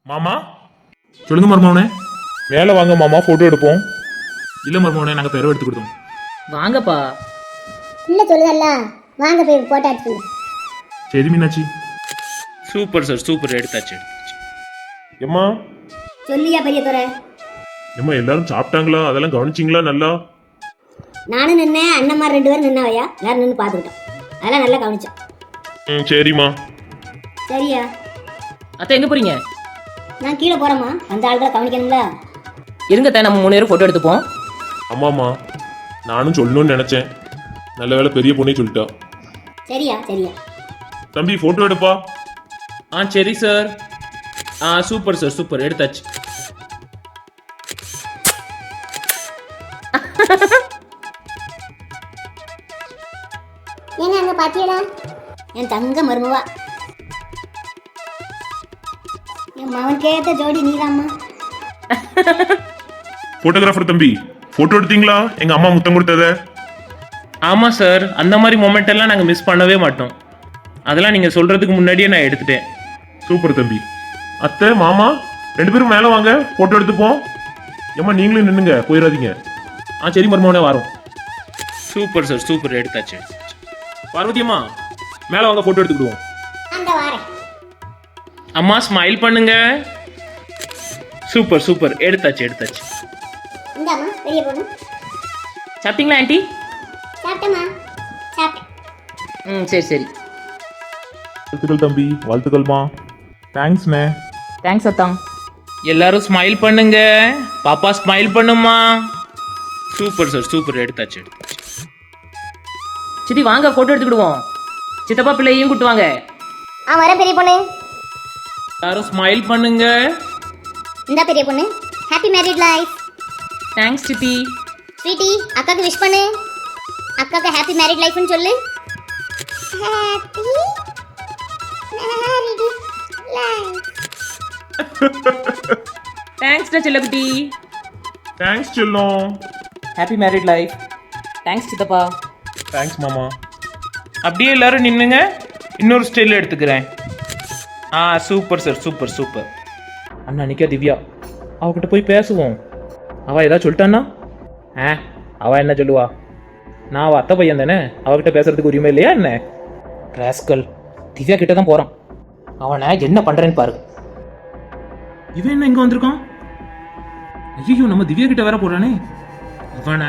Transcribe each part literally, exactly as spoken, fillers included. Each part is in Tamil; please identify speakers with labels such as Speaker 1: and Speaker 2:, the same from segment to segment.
Speaker 1: மாமா சொல்லுங்க மருமவனே. மேலே வாங்க மாமா, போட்டோ எடுப்போம். இல்ல மருமவனே, நாங்க பெருவை எடுத்து கொடுத்தோம்.
Speaker 2: வாங்கப்பா.
Speaker 3: இல்ல சொல்லுதல்ல, வாங்க போய் போட்டோ எடுத்துங்க.
Speaker 1: சரி மீனாட்சி.
Speaker 4: Super sir, super. எடுத்தாச்சு எடுத்தாச்சு.
Speaker 1: எம்மா
Speaker 3: சொல்லியா பெரிய துறை?
Speaker 1: எம்மா எல்லாரும் சாப்பிட்டாங்களா? அதெல்லாம் கவனிச்சிங்களா? நல்லா
Speaker 3: நானும் நின்னேன், அண்ணன்மார் ரெண்டு பேரும் நின்னாவையா, எல்லாரும் நின்று பார்த்துக்கிட்டோம். அதெல்லாம் நல்லா கவனிச்சோம்.
Speaker 1: ம் சரிம்மா.
Speaker 3: சரியா?
Speaker 2: அத்தை எங்க போறீங்க?
Speaker 3: நான் கீழே போறேம்மா, அந்த ஆள்களை கவனிக்கணும்ல.
Speaker 2: இருங்க அத்தை, நம்ம மூணு பேரும் போட்டோ எடுத்துப்போம்.
Speaker 1: ஆமாம்மா, நானும் சொல்லணும்னு நினைச்சேன். நல்ல வேலை பெரிய பொண்ணே சொல்லிட்டா.
Speaker 3: சரியா சரியா.
Speaker 1: தம்பி போட்டோ எடுப்பா.
Speaker 4: ஆ சரி சார். ஆ சூப்பர் சார், சூப்பர். எடுத்தாச்சு.
Speaker 3: ஏங்க அங்க பாத்தியடா, என் தங்க மருமவா, என் மகன் கேட்ட ஜோடி நீதாம்மா.
Speaker 1: போட்டோகிராஃபர் தம்பி, போட்டோ எடுத்தீங்களா? எங்க அம்மா முத்தம் கொடுத்தத.
Speaker 4: ஆமாம் சார், அந்த மாதிரி மொமெண்ட் எல்லாம் நாங்கள் மிஸ் பண்ணவே மாட்டோம். அதெல்லாம் நீங்கள் சொல்கிறதுக்கு முன்னாடியே நான் எடுத்துட்டேன்.
Speaker 1: சூப்பர் தம்பி. அத்தை மாமா ரெண்டு பேரும் மேலே வாங்க, போட்டோ எடுத்துப்போம். ஏம்மா நீங்களும் நின்னுங்க, போயிடாதீங்க. ஆ சரி மருமவனே, வரோம்.
Speaker 4: Super sir, super. எடுத்தாச்சு.
Speaker 1: பார்வதி அம்மா மேலே வாங்க, போட்டோ எடுத்துக்கிடுவோம்.
Speaker 3: அந்த வாரேன்.
Speaker 4: அம்மா ஸ்மைல் பண்ணுங்க. Super super. எடுத்தாச்சு எடுத்தாச்சு.
Speaker 3: இந்தாம்மா பெரிய பொண்ணு.
Speaker 2: சாப்பிட்டீங்களா ஆண்டி?
Speaker 3: சாப்பிட்டேம்மா, சாப்பிட்டேன்.
Speaker 2: ம் சரி சரி.
Speaker 1: வாழ்த்துக்கள் தம்பி, வாழ்த்துக்கள்மா. தேங்க்ஸ்ண்ணே.
Speaker 2: தேங்க்ஸ் அத்தான்.
Speaker 4: எல்லாரும் ஸ்மைல் பண்ணுங்க. பாப்பா ஸ்மைல் பண்ணுமா. Super sir, super. எடுத்தாச்சு எடுத்தாச்சு.
Speaker 2: சித்தி வாங்க போட்டோ எடுத்துக்கிடுவோம். சித்தப்பா பிள்ளையும் கூட்டு வாங்க.
Speaker 3: ஆ வரேன் பெரிய பொண்ணு.
Speaker 4: எல்லாரும் ஸ்மைல் பண்ணுங்க.
Speaker 3: இந்த பெரிய பொண்ணு, ஹாப்பி மேரிட் லைஃப்.
Speaker 2: தேங்க்ஸ் சித்தி.
Speaker 3: ஸ்வீட்டி, அக்காக்கு விஷ் பண்ணு. அக்காக்கு ஹாப்பி மேரிட் லைஃப்னு சொல்லு. Happy married life.
Speaker 2: தேங்க்ஸ் செல்லக்குட்டி.
Speaker 1: தேங்க்ஸ் செல்லம்.
Speaker 2: Happy married life. தேங்க்ஸ் சித்தப்பா.
Speaker 1: தேங்க்ஸ் மாமா.
Speaker 4: அப்படியே எல்லாரும் நின்னுங்க. இன்னொரு ஸ்டைல் எடுத்துக்கிறேன். ஆ சூப்பர் சார், சூப்பர் சூப்பர்.
Speaker 2: அண்ணா நிக்கா திவ்யா, அவகிட்ட போய் பேசுவோம். அவ ஏதாவது சொல்லிட்டான்னா? ஆ அவ என்ன சொல்லுவா? நான் அவ அத்தை பையன் தானே, அவகிட்ட பேசுறதுக்கு உரிமை இல்லையா என்ன? ராஸ்கல், திவ்யா கிட்ட தான் போறான். அவனை என்ன பண்றேன்னு பாரு.
Speaker 4: இவன் என்ன இங்க வந்திருக்கான்? ஐயோ, நம்ம திவ்யா கிட்ட வேற போறானே. இவனை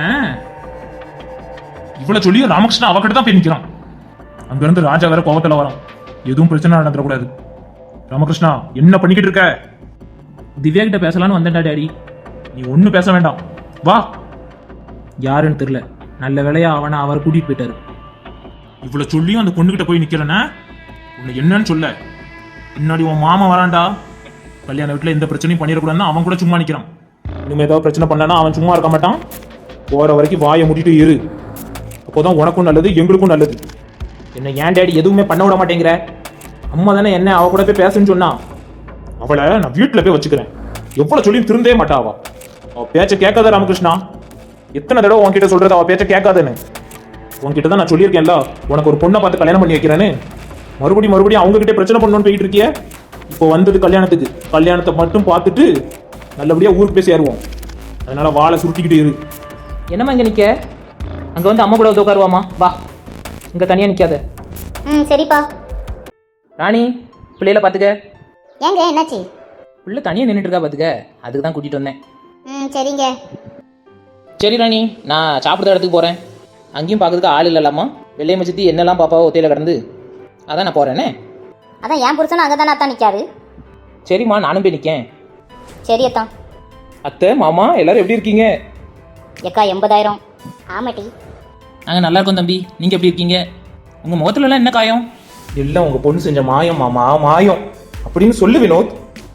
Speaker 1: இவ்வளவு சொல்லியும் ராமகிருஷ்ணன் அவகிட்ட தான் போய் நிக்கிறான். அங்க இருந்து ராஜா வேற கோவத்துல வரான். எதுவும் பிரச்சனை நடந்துடக்கூடாது. ராமகிருஷ்ணா என்ன பண்ணிக்கிட்டு இருக்க?
Speaker 2: திவ்யா கிட்ட பேசலான்னு வந்தேன்டா டாடி.
Speaker 1: நீ ஒன்னும் பேச வேண்டாம், வா.
Speaker 2: யாருன்னு தெரியல, நல்ல வேலையா அவனை அவர் கூட்டிட்டு போயிட்டாரு.
Speaker 1: இவ்வளவு சொல்லியும் அந்த பொண்ணுகிட்ட போய் நிக்கிறேன்னா உன்னை என்னன்னு சொல்ல. முன்னாடி உன் மாமா வரான்டா. கல்யாண வீட்டுல எந்த பிரச்சனையும் பண்ணிடக்கூடாதுன்னு அவன் கூட சும்மா நிக்கிறான். இனிமே ஏதாவது பிரச்சனை பண்ணானா அவன் சும்மா இருக்க மாட்டான். போற வரைக்கும் வாயை மூடிட்டு இரு. அப்போதான் உனக்கும் நல்லது, எங்களுக்கும் நல்லது.
Speaker 2: என்ன ஏன் டாடி எதுவுமே பண்ண விட மாட்டேங்கிற? அம்மா தானே என்ன அவ கூட போய் பேசுன்னு சொன்னா.
Speaker 1: அவளை நான் வீட்டுல போய் வச்சுக்கிறேன். எவ்வளவு சொல்லியும் திருந்தே மாட்டா அவ. அவ பேச்ச கேட்காத ராமகிருஷ்ணா. எத்தனை தடவை உன்கிட்ட சொல்றது அவ பேச்ச கேட்காதுன்னு? உன்கிட்ட தான் நான் சொல்லியிருக்கேன்ல, உனக்கு ஒரு பொண்ணை பார்த்து கல்யாணம் பண்ணி வைக்கிறேன்னு. மறுபடியும் மறுபடியும் அவங்க கிட்டே பிரச்சனை பண்ணணும்னு போயிட்டு இருக்கிய. இப்போ வந்தது கல்யாணத்துக்கு. கல்யாணத்தை மட்டும் பார்த்துட்டு நல்லபடியா ஊருக்கு போய் சேருவோம். அதனால வாழை சுருட்டிக்கிட்டு இரு.
Speaker 2: என்னம்மா இங்க நிக்க? அங்க வந்து அம்மா கூட வந்து உட்காருவாமா, வா. இங்க தனியா நிக்காத.
Speaker 3: ம் சரிப்பா.
Speaker 2: ராணி, பிள்ளையில பாத்துக்க.
Speaker 3: ஏங்க என்னாச்சு?
Speaker 2: பிள்ளை தனியா நின்றுட்டு இருக்கா பாத்துக்க, அதுக்கு தான் கூட்டிட்டு வந்தேன்.
Speaker 3: ம் சரிங்க.
Speaker 2: சரி ராணி, நான் சாப்பிட்ற இடத்துக்கு போறேன். அங்கேயும் பார்க்கறதுக்கு ஆள் இல்லலாமா? வெள்ளையம்மா சித்தி என்னெல்லாம் பாப்பாவோ ஒத்தையில கிடந்து, அதான் நான் போறேனே.
Speaker 3: அதான் என் புருஷனும் அங்கே தானே அத்தான் நிற்காரு.
Speaker 2: சரிம்மா, நானும் போய் நிற்கேன்.
Speaker 3: சரி அத்தான்.
Speaker 2: அத்தை மாமா எல்லாரும் எப்படி இருக்கீங்க?
Speaker 3: எக்கா எண்பதாயிரம். ஆமாட்டி.
Speaker 2: நாங்கள் நல்லா இருக்கோம் தம்பி, நீங்கள் எப்படி இருக்கீங்க? உங்கள் முகத்துலலாம் என்ன காயம்?
Speaker 5: எல்லாம் உங்க பொண்ணு செஞ்ச மாயம் மாமா, மாயம் அப்படின்னு சொல்லு வினோத்.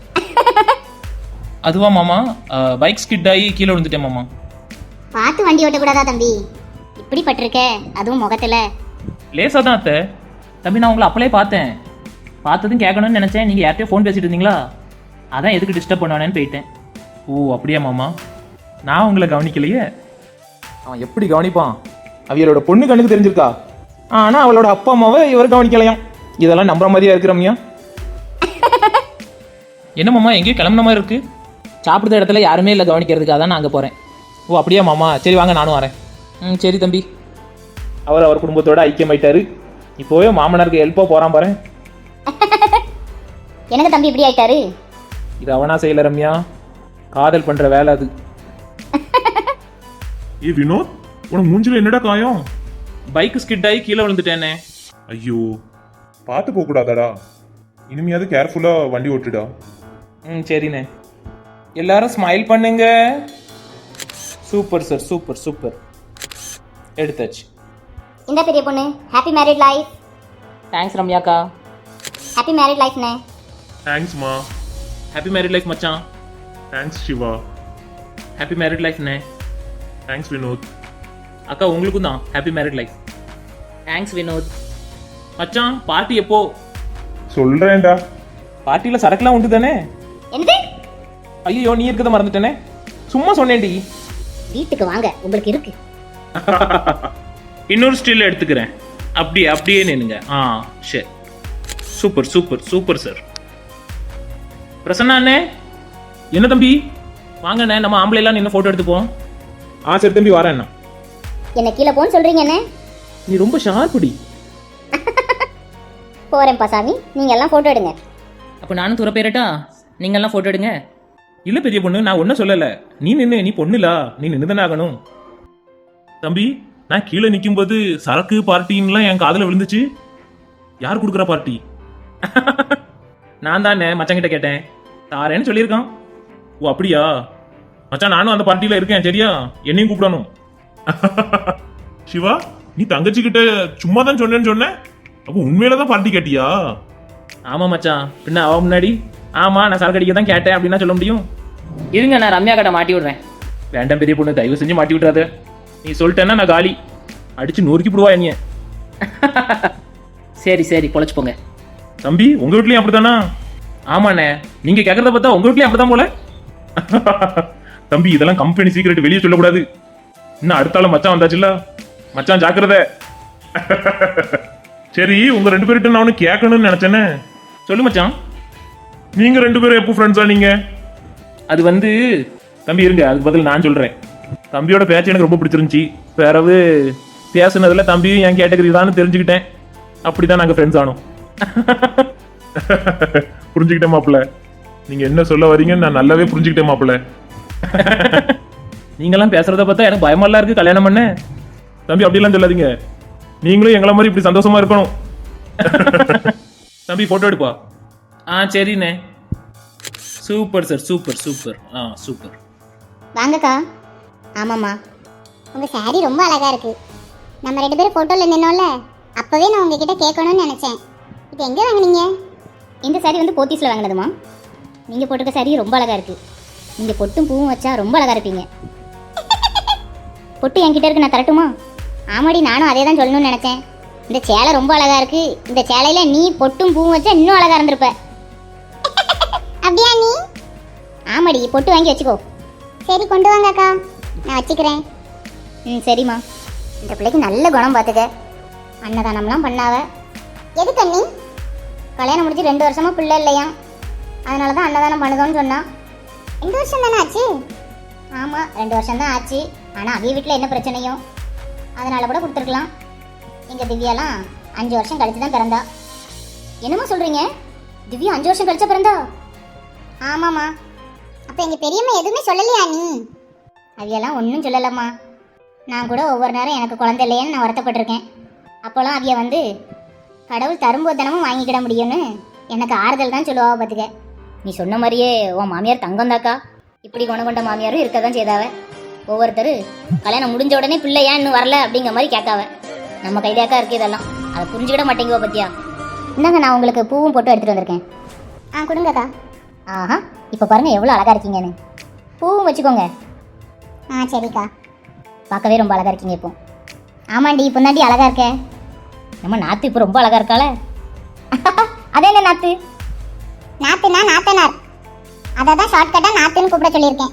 Speaker 4: அதுவா மாமா, பைக் ஸ்கிட் ஆகி கீழே விழுந்துட்டேன் மாமா.
Speaker 3: பார்த்து வண்டி ஓட்டக்கூடாதா தம்பி? இப்படி பட்டிருக்க, அதுவும் முகத்தில்.
Speaker 4: லேசாக தான் அத்தை.
Speaker 2: தம்பி நான் உங்களை அப்பளே பார்த்தேன். பார்த்ததும் கேட்கணும்னு நினச்சேன், நீங்கள் யார்கிட்டயோ ஃபோன் பேசிட்டு இருந்தீங்களா? அதான் எதுக்கு டிஸ்டர்ப் பண்ணுவானேன்னு போயிட்டேன்.
Speaker 4: ஓ அப்படியா மாமா, நான் உங்களை கவனிக்கலையே.
Speaker 5: அவன் எப்படி கவனிப்பான்? அவியலோட பொண்ணு கண்ணுக்கு தெரிஞ்சிருக்கா, ஆனா அவளோட அப்பா அம்மாவை இவர் கவனிக்கலையாம். இதெல்லாம் நம்புற மாதிரியா இருக்கிறோம்யா?
Speaker 2: என்ன மாமா எங்கேயும் கிளம்புன மாதிரி இருக்கு? சாப்பிடுற இடத்துல யாருமே இல்லை கவனிக்கிறதுக்காக தான் நான் அங்கே போகிறேன். ஓ அப்படியா மாமா, சரி வாங்க நானும் வரேன். ம் சரி தம்பி. அவர் அவர் குடும்பத்தோட ஐக்கியமாயிட்டாரு. இப்போவே மாமனாருக்கு ஹெல்ப்பாக போகிறான் பாரு.
Speaker 3: எனக்கு தம்பி இப்படி ஆயிட்டாரு.
Speaker 2: இது அவனா செய்யல ரம்யா, காதல் பண்ணுற வேலை அது.
Speaker 1: ஏ வினோத், உனக்கு மூஞ்சில என்னடா காயம்?
Speaker 2: பைக் ஸ்கிட் ஆகி கீழே விழுந்துட்டேனே.
Speaker 1: ஐயோ, பார்த்து போக கூடாதாடா? இனிமையாவது கேர்ஃபுல்லா வண்டி ஓட்டுடா.
Speaker 2: ம் சரிண்ணே. எல்லாரும் ஸ்மைல் பண்ணுங்க. Super sir, super super. எடுத்தாச்சு.
Speaker 3: இந்த பெரிய பொண்ணு ஹாப்பி மேரிட் லைஃப்.
Speaker 2: தேங்க்ஸ் ரம்யாக்கா.
Speaker 3: ஹாப்பி மேரிட் லைஃப்னே.
Speaker 1: தேங்க்ஸ்மா.
Speaker 2: ஹாப்பி மேரிட் லைஃப் மச்சான்.
Speaker 1: தேங்க்ஸ் சிவா.
Speaker 2: ஹாப்பி மேரிட் லைஃப்ண்ணே.
Speaker 1: தேங்க்ஸ் வினோத்.
Speaker 2: அக்கா உங்களுக்கும் தான் happy married life. Thanks Vinod. மச்சான் பார்ட்டி எப்போ?
Speaker 1: சொல்றேன்டா.
Speaker 2: பார்ட்டியில் சரக்குலாம் உண்டு தானே?
Speaker 3: என்னது?
Speaker 2: ஐயோ நீ இருக்கதை மறந்துட்டேனே. சும்மா சொன்னேன்டி.
Speaker 3: வீட்டுக்கு வாங்க, உங்களுக்கு இருக்கு.
Speaker 4: இன்னொரு ஸ்டில் எடுத்துக்கிறேன். அப்படியே அப்படியே நின்னுங்க. ஆ சரி. Super super super sir. Prasanna அண்ணே.
Speaker 2: என்ன தம்பி? வாங்கண்ணே, நம்ம ஆம்பளை எல்லாம் நின்று ஃபோட்டோ எடுத்துப்போம்.
Speaker 1: ஆ சரி தம்பி, வரேன் அண்ணா.
Speaker 3: என்ன கீழே போன்னு சொல்றீங்க என்ன?
Speaker 2: நீ ரொம்ப ஷார்ப்புடி.
Speaker 3: போறேன்ப்பா சாமி, நீங்க எல்லாம் போட்டோ எடுங்க.
Speaker 2: அப்போ நானும் துற பேரட்டா? நீங்கள்லாம் ஃபோட்டோ எடுங்க. இல்லை பெரிய பொண்ணு, நான் ஒன்றும் சொல்லலை. நீ நின்று, நீ பொண்ணுலா, நீ நின்று தானே ஆகணும்.
Speaker 1: தம்பி, நான் கீழே நிக்கும்போது சரக்கு பார்ட்டின்லாம் என் காதுல விழுந்துச்சு. யார் கொடுக்குற பார்ட்டி?
Speaker 2: நான் தானே மச்சாங்கிட்ட கேட்டேன், தாரேன்னு சொல்லியிருக்கான்.
Speaker 1: ஓ அப்படியா? மச்சான், நானும் அந்த பார்ட்டியில இருக்கேன், சரியா? என்னையும் கூப்பிடணும். சிவா, நீ தங்கச்சி கிட்ட சும்மா தான் சொன்னேன்னு சொன்ன, அப்போ உண்மையில தான் பார்ட்டி கேட்டியா?
Speaker 2: ஆமாம் மச்சான், பின்ன அவ முன்னாடி ஆமாம் நான் சரக்கு அடிக்க தான் கேட்டேன் அப்படின்னா சொல்ல முடியும்?
Speaker 6: இருங்க நான் ரம்யா கிட்ட மாட்டி விடுறேன்.
Speaker 2: வேண்டாம் பெரிய பொண்ணு, தயவு செஞ்சு மாட்டி விட்றாத. நீ சொல்லிட்டேன்னா நான் காலி. அடிச்சு நொறுக்கி போடுவா என்னைய.
Speaker 6: சரி சரி பொழைச்சு போங்க.
Speaker 1: தம்பி, உங்க வீட்லயும் அப்படித்தானா?
Speaker 2: ஆமாண்ணே, நீங்க கேட்கறத பார்த்தா உங்க வீட்லயும் அப்படிதான் போல.
Speaker 1: தம்பி, இதெல்லாம் கம்பெனி சீக்கிரட், வெளியே சொல்லக்கூடாது. இன்னும் அடுத்தால மச்சான் வந்தாச்சுல்ல, மச்சான் ஜாக்கிரதை. சரி, உங்க ரெண்டு பேர்கிட்ட நான் ஒன்று கேட்கணும்னு நினைச்சேனே.
Speaker 2: சொல்லு மச்சான்.
Speaker 1: நீங்க ரெண்டு பேரும் எப்போ ஃப்ரெண்ட்ஸா? நீங்க
Speaker 2: அது வந்து
Speaker 1: தம்பி இருங்க, அதுக்கு பதில் நான் சொல்றேன். தம்பியோட பேச்சு எனக்கு ரொம்ப பிடிச்சிருந்துச்சி. பிறகு பேசுனதுல தம்பியும் என் கேட்டகரி தான் தெரிஞ்சுக்கிட்டேன். அப்படிதான் நாங்க ஃப்ரெண்ட்ஸ் ஆனோம். புரிஞ்சுக்கிட்டேன் மாப்பிள்ள. நீங்க என்ன சொல்ல வரீங்கன்னு நான் நல்லாவே புரிஞ்சுக்கிட்டேன் மாப்பிள்ள.
Speaker 2: நீங்கெல்லாம் பேசுறத பார்த்தா எனக்கு பயமெல்லாம் இருக்கு கல்யாணம் பண்ண.
Speaker 1: தம்பி அப்படிலாம் சொல்லாதீங்க. நீங்களும் எங்களை மாதிரி இப்படி சந்தோஷமா இருக்கணும்.
Speaker 2: தம்பி போட்டோ எடுப்பா. ஆ சரிண்ணே. Super sir, super super. ஆ சூப்பர்.
Speaker 3: வாங்கக்கா. ஆமாம்மா, உங்க சாரி ரொம்ப அழகா இருக்கு. நம்ம ரெண்டு பேரும் போட்டோல நின்னோம்ல, அப்பவே நான் உங்ககிட்ட கேட்கணும்னு நினைச்சேன். இது எங்க வாங்குனீங்க? இந்த சாரி வந்து போத்தீஸ்ல வாங்கினதுமா. நீங்க போட்டிருக்க சாரி ரொம்ப அழகா இருக்கு. நீங்க பொட்டும் பூவும் வச்சா ரொம்ப அழகா இருப்பீங்க. பொட்டு என்கிட்ட இருக்கு, நான் தரட்டுமா? ஆமாடி, நானும் அதே தான் சொல்லணும்னு நினைச்சேன். இந்த சேலை ரொம்ப அழகா இருக்கு. இந்த சேலையில நீ பொட்டும் பூவும் வச்சா இன்னும் அழகா இருந்திருப்ப. அப்படியா நீ? ஆமாடி, பொட்டு வாங்கி வச்சுக்கோ. சரி கொண்டு வாங்க அக்கா, நான் வச்சுக்கிறேன். ம் சரிம்மா. இந்த பிள்ளைக்கு நல்ல குணம் பார்த்துக்க. அன்னதானம்லாம் பண்ணாவ. எதுக்கு அண்ணி? கல்யாணம் முடிச்சு ரெண்டு வருஷமா பிள்ளை இல்லையா, அதனால தான் அன்னதானம் பண்ணுதோன்னு சொன்னான். ரெண்டு வருஷம் தானே ஆச்சு? ஆமாம், ரெண்டு வருஷம் தான் ஆச்சு. ஆனால் அவிய வீட்டில் என்ன பிரச்சனையோ அதனால கூட கொடுத்துருக்கலாம். எங்கள் திவ்யாலாம் அஞ்சு வருஷம் கழிச்சு தான் பிறந்தா. என்னம்மா சொல்கிறீங்க? திவ்யா அஞ்சு வருஷம் கழிச்சா பிறந்தா? ஆமாம்மா. அப்போ எங்கள் பெரியம்மா எதுவுமே சொல்லலையா நீ? அவியெல்லாம் ஒன்றும் சொல்லலம்மா. நான் கூட ஒவ்வொரு நேரம் எனக்கு குழந்தை இல்லையேன்னு நான் வருத்தப்பட்டிருக்கேன். அப்போல்லாம் அவிய வந்து கடவுள் தரும்போது தினமும் வாங்கிக்கிட முடியும்னு எனக்கு ஆறுதல் தான் சொல்லுவா. பார்த்துக்க, நீ சொன்ன மாதிரியே உன் மாமியார் தங்கம் தாக்கா. இப்படி குணம் கொண்ட மாமியாரும் இருக்க தான் செய்தாவ. ஒவ்வொருத்தர் கல்யாணம் முடிஞ்ச உடனே பிள்ளை ஏன் இன்னும் வரல அப்படிங்கிற மாதிரி கேட்காவ. நம்ம கைதாக்கா இருக்கு இதெல்லாம், அதை புரிஞ்சுக்கிட மாட்டேங்குவா பத்தியா. இந்தாங்க, நான் உங்களுக்கு பூவும் போட்டு எடுத்துகிட்டு வந்திருக்கேன். ஆ கொடுங்கக்கா. ஆஹா, இப்போ பாருங்க எவ்வளோ அழகா இருக்கீங்கன்னு. பூவும் வச்சுக்கோங்க. ஆ சரிக்கா. பார்க்கவே ரொம்ப அழகா இருக்கீங்க இப்போ. ஆமாண்டி, இப்போ தாண்டி அழகா இருக்கே. நம்ம நாத்து இப்போ ரொம்ப அழகா இருக்காள. அதே என்ன நாத்து? நாத்துனா நாத்தனார், அதை தான் ஷார்ட்கட்டாக நாத்துன்னு கூப்பிட சொல்லியிருக்கேன்.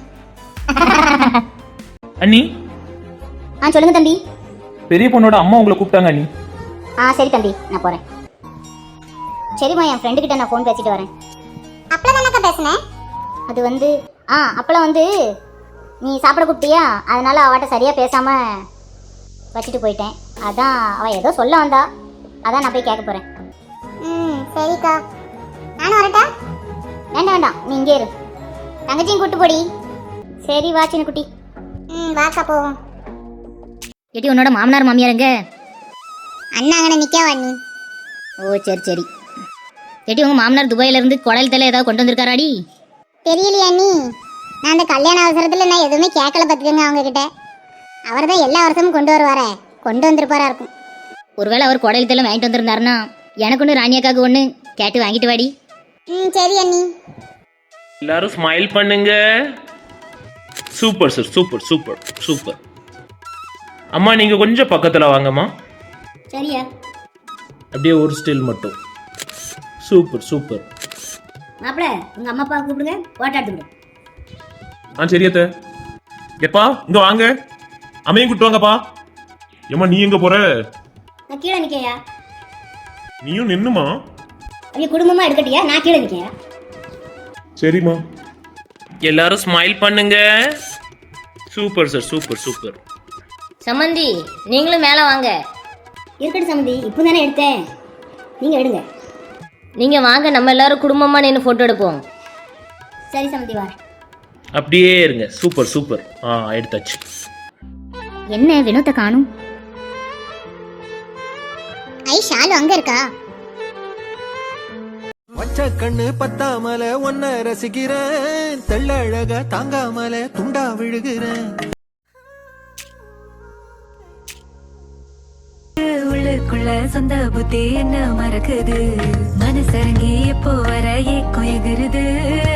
Speaker 2: அண்ணி.
Speaker 3: ஆ சொல்லுங்க தம்பி.
Speaker 2: பெரிய பொண்ணோட அம்மா உங்களை கூப்பிட்டாங்க அண்ணி.
Speaker 3: ஆ சரி தம்பி, நான் போகிறேன். சரிம்மா, என் ஃப்ரெண்டு கிட்ட நான் ஃபோன் பேசிட்டு வரேன். அப்பளம் தானக்கா பேசுனேன். அது வந்து ஆ அப்பளம் வந்து நீ சாப்பிட கூப்பிட்டியா, அதனால அவட்ட சரியாக பேசாமல் வச்சுட்டு போயிட்டேன். அதான் அவள் ஏதோ சொல்ல வந்தா, அதான் நான் போய் கேட்க போகிறேன். ம் சரிக்கா, நானும் வரட்டா? வேண்டாம் வேண்டாம், நீ இங்கே இரு. தங்கச்சியும் கூட்டு போடி. சரி வா சின்ன குட்டி. ம் வாக்கா போவோம்.
Speaker 7: ஏட்டி உன்னோட மாமனார் மாமியார் எங்க?
Speaker 3: அண்ணா அங்கே நிற்கவா நீ?
Speaker 7: ஓ சரி சரி. ஏட்டி உங்க மாமனார் துபாயில இருந்து குடல் தலை ஏதாவது கொண்டு வந்திருக்காராடி?
Speaker 3: தெரியலையா நீ? நான் அந்த கல்யாண அவசரத்தில் நான் எதுவுமே கேட்கல பார்த்துக்கோங்க அவங்க கிட்ட. அவர் தான் எல்லா வருஷமும் கொண்டு வருவாரே, கொண்டு வந்திருப்பாரா இருக்கும்.
Speaker 7: ஒருவேளை அவர் குடல் தலை வாங்கிட்டு வந்திருந்தாருன்னா எனக்கு ஒன்று ராணியாக்காவுக்கு ஒன்று கேட்டு வாங்கிட்டு வாடி.
Speaker 3: ம் சரி அண்ணி.
Speaker 4: எல்லாரும் ஸ்மைல் பண்ணுங்க. Super sir, super super super. அம்மா நீங்கள் கொஞ்சம் பக்கத்தில் வாங்கம்மா.
Speaker 7: சரியா?
Speaker 4: அப்படியே ஒரு ஸ்டில் மட்டும். Super super.
Speaker 7: மாப்பிள்ள உங்க அம்மா அப்பா கூப்பிடுங்க, போட்டோ எடுத்துக்கிட்டு.
Speaker 1: ஆ சரியத்த. எப்பா இங்க வாங்க, அம்மையும் கூட்டு வாங்கப்பா. ஏம்மா நீ எங்க போற?
Speaker 7: நான் கீழே நிற்கையா?
Speaker 1: நீயும் நின்னுமா?
Speaker 7: அவங்க குடும்பமா எடுக்கட்டியா? நான் கீழே நிற்கையா?
Speaker 1: சரிம்மா.
Speaker 4: எல்லாரும் ஸ்மைல் பண்ணுங்க. Super sir, super super.
Speaker 7: சம்மந்தி நீங்களும் மேலே வாங்க. இருக்கட்டும் சம்மந்தி, இப்போ தானே எடுத்தேன், நீங்கள் எடுங்க. நீங்கள் வாங்க, நம்ம எல்லாரும் குடும்பமாக நின்று ஃபோட்டோ எடுப்போம். சரி சம்மந்தி வா.
Speaker 4: அப்படியே இருங்க. Super super. ஆ எடுத்தாச்சு.
Speaker 7: என்ன வினோத்தை காணும்?
Speaker 3: ஐ ஷாலு அங்கே இருக்கா?
Speaker 8: வச்ச கண்ணு பத்தாமல ஒன்ன ரசிக்கிறேன், தெள்ளழக தாங்காமல துண்டா விழுகிறேன்.
Speaker 9: உள்ளுக்குள்ள சொந்த புத்தி என்ன மறக்குது, மனசரங்கி எப்போ வர ஏக்கம் எகுருது.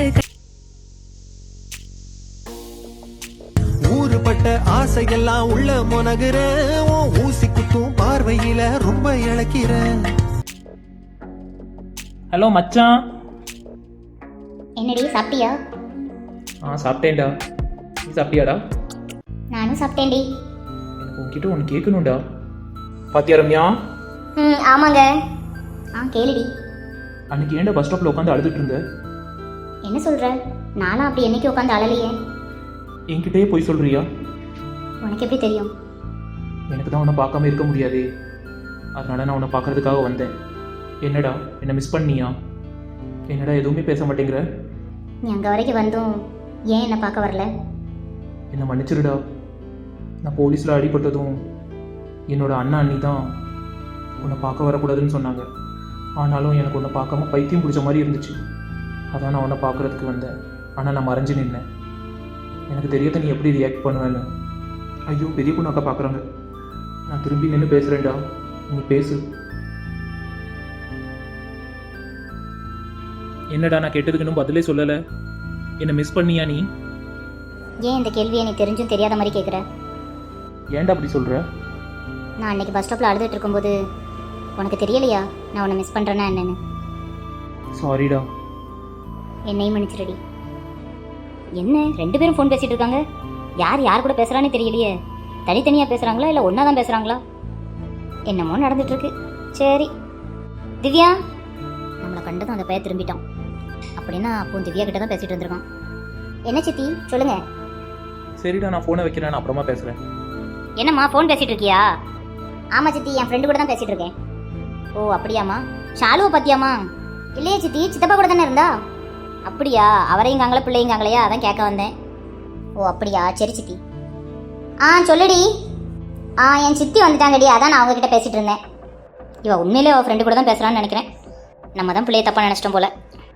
Speaker 8: ஊறுபட்ட ஆசையெல்லாம் உள்ள முனகுறேன், உன் ஊசி குத்தும் பார்வையில ரொம்ப இழக்கிறேன்.
Speaker 2: ஹலோ மச்சான்.
Speaker 3: என்னடி சாப்பிட்டியா?
Speaker 2: ஆ சாப்பிட்டேன்டா. நீ சாப்பிட்டியாடா?
Speaker 3: நானும் சாப்பிட்டேன்டி.
Speaker 2: எனக்கு உன்கிட்ட ஒன்று கேட்கணும்டா. பாத்தியா ரம்யா,
Speaker 3: ம் ஆமாங்க. ஆ கேளுடி.
Speaker 2: அன்னைக்கு ஏன்டா பஸ் ஸ்டாப்பில் உட்காந்து அழுதுட்டு இருந்த?
Speaker 3: என்ன சொல்கிற? நானும் அப்படி என்னைக்கு உட்காந்து அழலையே.
Speaker 2: என்கிட்டயே போய் சொல்றியா?
Speaker 3: உனக்கு எப்படி தெரியும்?
Speaker 2: எனக்கு தான் உன்னை பார்க்காம இருக்க முடியாதே, அதனால நான் உன்னை பார்க்கறதுக்காக வந்தேன். என்னடா என்னை மிஸ் பண்ணியா? என்னடா எதுவுமே பேச மாட்டேங்கிற?
Speaker 3: நீ அங்கே வரைக்கும் வந்தும் ஏன் என்னை பார்க்க வரல?
Speaker 2: என்னை மன்னிச்சிருடா. நான் போலீஸில் அடிபட்டதும் என்னோட அண்ணா அண்ணி தான் உன்னை பார்க்க வரக்கூடாதுன்னு சொன்னாங்க. ஆனாலும் எனக்கு உன்னை பார்க்காம பைத்தியம் பிடிச்ச மாதிரி இருந்துச்சு. அதான் நான் உன்னை பார்க்குறதுக்கு வந்தேன். ஆனால் நான் மறைஞ்சு நின்னேன். எனக்கு தெரியாத நீ எப்படி ரியாக்ட் பண்ணுவேன்னு. ஐயோ பெரிய பொண்ணு அக்கா பார்க்குறாங்க. நான் திரும்பி நின்று பேசுகிறேன்டா, நீ பேசு. என்னடா நான் கேட்டதுக்கு இன்னும் பதிலே சொல்லலை. என்னை மிஸ் பண்ணியா நீ?
Speaker 3: ஏன் இந்த கேள்வியை நீ தெரிஞ்சும் தெரியாத மாதிரி கேட்குற?
Speaker 2: ஏன்டா அப்படி சொல்கிற?
Speaker 3: நான் அன்னைக்கு பஸ் ஸ்டாப்பில் அழுதுட்டு இருக்கும்போது உனக்கு தெரியலையா நான் உன்னை மிஸ் பண்ணுறேன்னா என்னன்னு?
Speaker 2: சாரிடா.
Speaker 3: என்னையும் மன்னிச்சிருடி. என்ன ரெண்டு பேரும் ஃபோன் பேசிகிட்டு இருக்காங்க? யார் யார் கூட பேசுகிறானே தெரியலையே. தனித்தனியாக பேசுகிறாங்களா இல்லை ஒன்றா தான் பேசுகிறாங்களா? என்னமோ நடந்துட்டுருக்கு. சரி திவ்யா, நம்மளை கண்டதும் அந்த பையன் திரும்பிட்டான். அப்படின்னா அப்போ திவ்யா கிட்ட தான் பேசிகிட்டு இருந்திருக்கான். என்ன சித்தி சொல்லுங்கள்.
Speaker 2: சரிடா நான் ஃபோனை வைக்கிறேன், நான் அப்புறமா பேசுகிறேன்.
Speaker 3: என்னம்மா ஃபோன் பேசிகிட்டு இருக்கியா? ஆமாம் சித்தி, என் ஃப்ரெண்டு கூட தான் பேசிகிட்டு இருக்கேன். ஓ அப்படியாம்மா. ஷாலுவை பற்றியாம்மா? இல்லையே சித்தி, சித்தப்பா கூட தானே இருந்தா. அப்படியா? அவரையுங்காங்களா பிள்ளைங்காங்களையா, அதான் கேட்க வந்தேன். ஓ அப்படியா, சரி சித்தி. ஆ சொல்லுடி. ஆ என் சித்தி வந்துட்டாங்கடி, அதான் நான் அவங்கக்கிட்ட பேசிகிட்டு இருந்தேன். இவள் உண்மையிலே அவள் ஃப்ரெண்டு கூட தான் பேசுகிறான்னு நினைக்கிறேன். நம்ம தான் பிள்ளைய தப்பாக நினச்சிட்டோம் போல.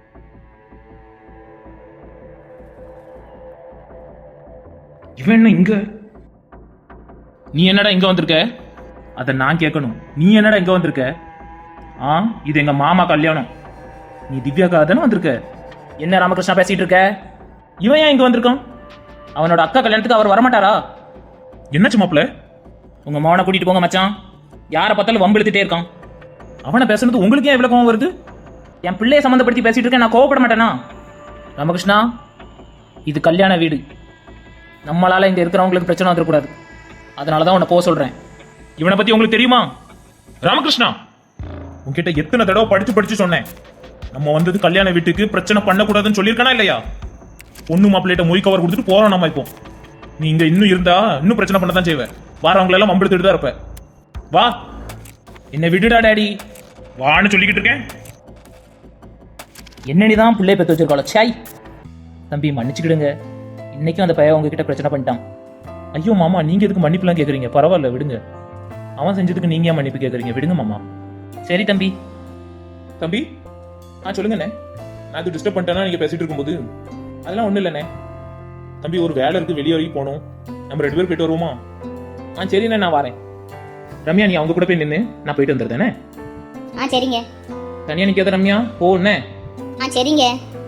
Speaker 2: இவன் என்ன இங்க? நீ என்னடா இங்க வந்திருக்க? அதை நான் கேட்கணும். நீ என்னடா இங்க வந்திருக்க? ஆ இது எங்க மாமா கல்யாணம். நீ திவ்யாக்காக தானே வந்திருக்க? என்ன ராமகிருஷ்ணா பேசிட்டு இருக்க? இவன் ஏன் இங்க வந்திருக்கான்? அவனோட அக்கா கல்யாணத்துக்கு அவர் வரமாட்டாரா? என்னாச்சு மாப்பிள்ள? உங்க மகனை கூட்டிட்டு போங்க மச்சான். யாரை பார்த்தாலும் வம்பு இழுத்துட்டே இருக்கான். அவனை பேசுறது உங்களுக்கு ஏன் இவ்வளவு கோவம் வருது? என் பிள்ளையை சம்மந்தப்படுத்தி பேசிட்டு இருக்கேன், நான் கோவப்பட மாட்டேனா? ராமகிருஷ்ணா, இது கல்யாண வீடு. நம்மளால இங்க இருக்கிறவங்களுக்கு பிரச்சனை வந்துடக்கூடாது. அதனால தான் உன்னை போக சொல்றேன்.
Speaker 1: இவனை பத்தி உங்களுக்கு தெரியுமா? ராமகிருஷ்ணா, உன்கிட்ட எத்தனை தடவை படிச்சு படிச்சு சொன்னேன். நம்ம வந்தது கல்யாண வீட்டுக்கு பிரச்சனை பண்ணக்கூடாதுன்னு சொல்லியிருக்கானா இல்லையா? பொண்ணு மாப்பிள்ளையிட்ட மொய் கவர் கொடுத்துட்டு போறோம் நம்ம இப்போ. நீ இங்க இன்னும் இருந்தா இன்னும் பிரச்சனை பண்ண தான் செய்வேன். வாரவங்களை எல்லாம் மம்பெடுத்துட்டு தான் இருப்ப. வா, என்ன விடுடா டாடி, வான்னு சொல்லிக்கிட்டு இருக்கேன்.
Speaker 6: என்னன்னு தான் பிள்ளைய பெற்று வச்சிருக்காளோ. சாய் தம்பி மன்னிச்சுக்கிடுங்க, இன்னைக்கும் அந்த பையன் உங்ககிட்ட பிரச்சனை பண்ணிட்டான்.
Speaker 2: ஐயோ மாமா, நீங்க எதுக்கு மன்னிப்புலாம் கேக்குறீங்க? பரவாயில்ல விடுங்க. அவன் செஞ்சதுக்கு நீங்க ஏன் மன்னிப்பு கேக்குறீங்க? விடுங்க மாமா.
Speaker 6: சரி தம்பி.
Speaker 1: தம்பி, ஆ சொல்லுங்கண்ணே. நான் இது டிஸ்டர்ப் பண்ணிட்டேன்னா நீங்க பேசிட்டு இருக்கும்போது? அதெல்லாம் ஒண்ணும் இல்லைண்ணே. தம்பி, ஒரு வேலை இருக்கு, வெளியே வரைக்கும் போகணும். நம்ம ரெண்டு பேரும் போயிட்டு வருவோமா?
Speaker 2: ஆ சரிண்ணே, நான் வரேன். ரம்யா, நீ அவங்க கூட போய் நின்று நான் போயிட்டு வந்துடுறேனே.
Speaker 3: ஆ சரிங்க.
Speaker 2: தனியா நிக்காத ரம்யா, போண்ணே.
Speaker 3: ஆ சரிங்க.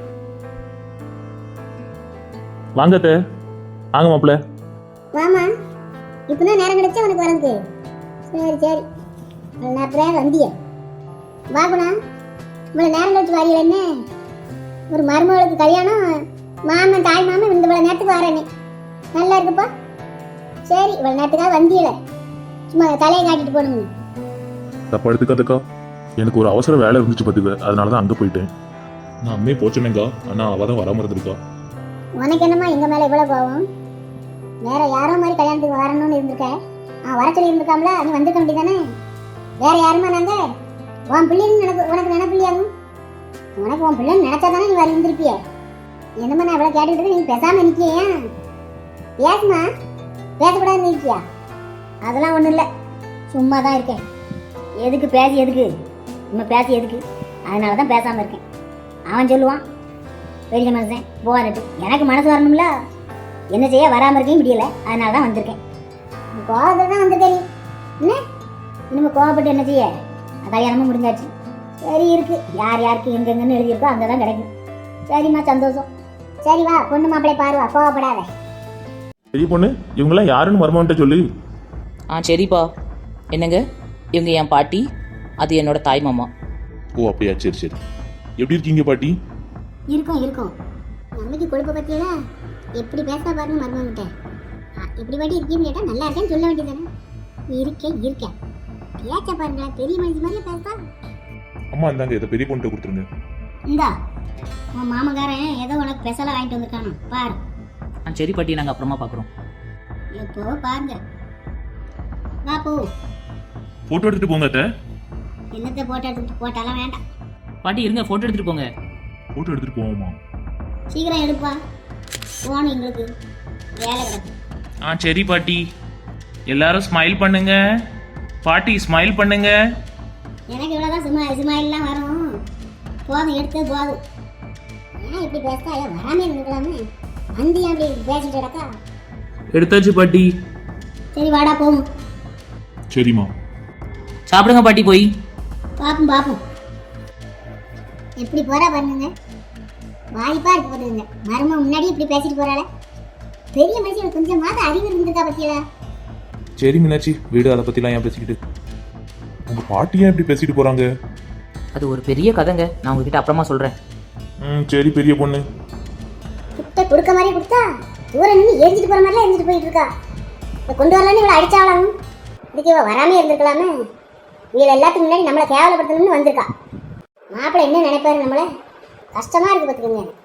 Speaker 1: வாங்க அத்தை. வாங்க மாப்பிள்ள.
Speaker 3: வாமா, இப்பதான் நேரம் கிடைச்சா உனக்கு வரது. சரி சரி, நேரத்தில் வந்திய வாகுணா. இவ்வளோ நேரம் கழிச்சு வாரியல என்ன? ஒரு மருமகளுக்கு கல்யாணம், மாமன் தாய் மாமன் இந்த இவ்வளோ நேரத்துக்கு வரேனே. நல்லா இருக்குப்பா. சரி, இவ்வளோ நேரத்துக்காக வந்தியல, சும்மா தலையை காட்டிட்டு போகணுங்க.
Speaker 1: தப்பா எடுத்துக்காதக்கா, எனக்கு ஒரு அவசர வேலை இருந்துச்சு பார்த்துக்க, அதனால தான் அங்கே போயிட்டேன். நான் அம்மே போச்சேனேங்கா, ஆனால் அவள் தான் வராமல் இருந்திருக்கா.
Speaker 3: உனக்கு என்னம்மா எங்கள் மேலே இவ்வளோ கோவம்? வேற யாரோ மாதிரி கல்யாணத்துக்கு வரணும்னு இருந்திருக்க. ஆ வர சொல்லி இருந்திருக்காம்ல, நீ வந்திருக்க வேண்டியதானே? வேற யாருமா நாங்க? உன் பிள்ளைன்னு எனக்கு உனக்கு நினைப்பில்லையாகும். உனக்கு உன் பிள்ளைன்னு நினைச்சா தானே நீ வர இருந்திருப்பிய. என்னம்மா நான் இவ்வளோ கேட்டுக்கிட்டு நீ பேசாமல் நிற்கியா? பேசுமா, பேசக்கூடாதுன்னு இருக்கியா? அதெல்லாம் ஒன்றும் இல்லை, சும்மா தான் இருக்கேன். எதுக்கு பேசி எதுக்கு நம்ம பேசி எதுக்கு? அதனால தான் பேசாமல் இருக்கேன். அவன் சொல்லுவான் பெரிய மனுஷன் போகாதட்டு, எனக்கு மனசு வரணும்ல. என்ன செய்ய, வராமல் இருக்கேன் முடியலை, அதனால தான் வந்திருக்கேன். கோவத்தில் தான் வந்திருக்கேன். நீ என்ன இன்னும் கோவப்பட்டு என்ன செய்ய? கல்யாணமும் முடிஞ்சாச்சு. சரி இருக்கு, யார் யாருக்கு எங்கெங்கன்னு எழுதியிருக்கோ அங்கே தான் கிடைக்கும். சரிம்மா, சந்தோஷம். சரி வா, பொண்ணு மாப்பிள்ளை பாருவா, கோவப்படாத.
Speaker 1: பெரிய பொண்ணு, இவங்கெல்லாம் யாருன்னு மருமகன்ட்ட சொல்லு.
Speaker 6: ஆ சரிப்பா. என்னங்க, இவங்க என் பாட்டி, அது என்னோட தாய் மாமா.
Speaker 1: ஓ அப்படியா, சரி சரி. எப்படி இருக்கீங்க பாட்டி?
Speaker 3: இருக்கும் இருக்கும். நம்மளுக்கு கொழுப்பை பற்றியல எப்படி பேச பாருங்க மருமகிட்ட. எப்படி பாட்டி இருக்கீன்னு கேட்டால் நல்லா இருக்கேன்னு சொல்ல வேண்டியதானே? இருக்கேன் இருக்கேன் பேச்ச பாருங்களேன், பெரிய மனுஷி மாதிரியே பேசா.
Speaker 1: அம்மா இந்தாங்க, இதை பெரிய பொண்ணுகிட்ட கொடுத்துருங்க.
Speaker 3: இந்தா, உன் மாமக்காரன் ஏதோ உனக்கு ஸ்பெஷலாக வாங்கிட்டு வந்திருக்கானோ பாரு.
Speaker 6: ஆ சரி பாட்டி, நாங்கள் அப்புறமா பார்க்குறோம்.
Speaker 3: எப்போ பாருங்க. வா போ.
Speaker 1: போட்டோ எடுத்துட்டு போங்க அத்தை.
Speaker 3: என்னத்தை போட்டோ எடுத்துட்டு போட்டாலாம் வேண்டாம்.
Speaker 6: பாட்டி இருங்க, ஃபோட்டோ எடுத்துகிட்டு போங்க.
Speaker 1: போட்டோ எடுத்துட்டு போவோமா?
Speaker 3: சீக்கிரம் எடுப்பா, போகணும் எங்களுக்கு வேலை கிடக்கு.
Speaker 4: ஆ சரி பாட்டி. எல்லாரும் ஸ்மைல் பண்ணுங்க. பாட்டி ஸ்மைல் பண்ணுங்க.
Speaker 3: எனக்கு இவ்வளோதான் சும்மா சுமாயிலாம் வரும். போதும், எடுத்து போதும். ஏன் இப்படி பேசா? ஏன் வராமே இருந்துக்கலாமே? வந்து ஏன் அப்படி பேசிட்டு கிடக்கா?
Speaker 4: எடுத்தாச்சு பாட்டி.
Speaker 3: சரி வாடா போகும்.
Speaker 1: சரிம்மா.
Speaker 6: சாப்பிடுங்க பாட்டி போய்.
Speaker 3: பாப்போம் பாப்போம். எப்படி போறா பாருங்க, வாய்ப்பா இருக்கு போதுங்க. மரும முன்னாடி இப்படி பேசிட்டு போறாள. பெரிய மனுஷன் கொஞ்சமாவது அறிவு இருந்திருக்கா பத்தியா?
Speaker 1: சரி மீனாட்சி, வீடு அதை பற்றிலாம் ஏன் பேசிக்கிட்டு? உங்கள் பாட்டி ஏன் இப்படி பேசிட்டு போகிறாங்க?
Speaker 6: அது ஒரு பெரிய கதைங்க, நான் உங்ககிட்ட அப்புறமா சொல்கிறேன்.
Speaker 1: ம் சரி பெரிய பொண்ணு.
Speaker 3: கிட்ட கொடுக்க மாதிரி கொடுத்தா தூரம் நின்று எரிஞ்சிட்டு போற மாதிரிலாம் எரிஞ்சிட்டு போயிட்டு இருக்கா. இதை கொண்டு வரலான்னு இவ்வளோ அடிச்சாலும் இதுக்கு இவ வராமே இருந்திருக்கலாமே. இவளை எல்லாத்துக்கும் முன்னாடி நம்மளை கேவலப்படுத்தணும்னு வந்திருக்கா. மாப்பிள்ளை என்ன நினைப்பாரு நம்மளை? கஷ்டமா இருக்கு பார்த்துக்கோங்க.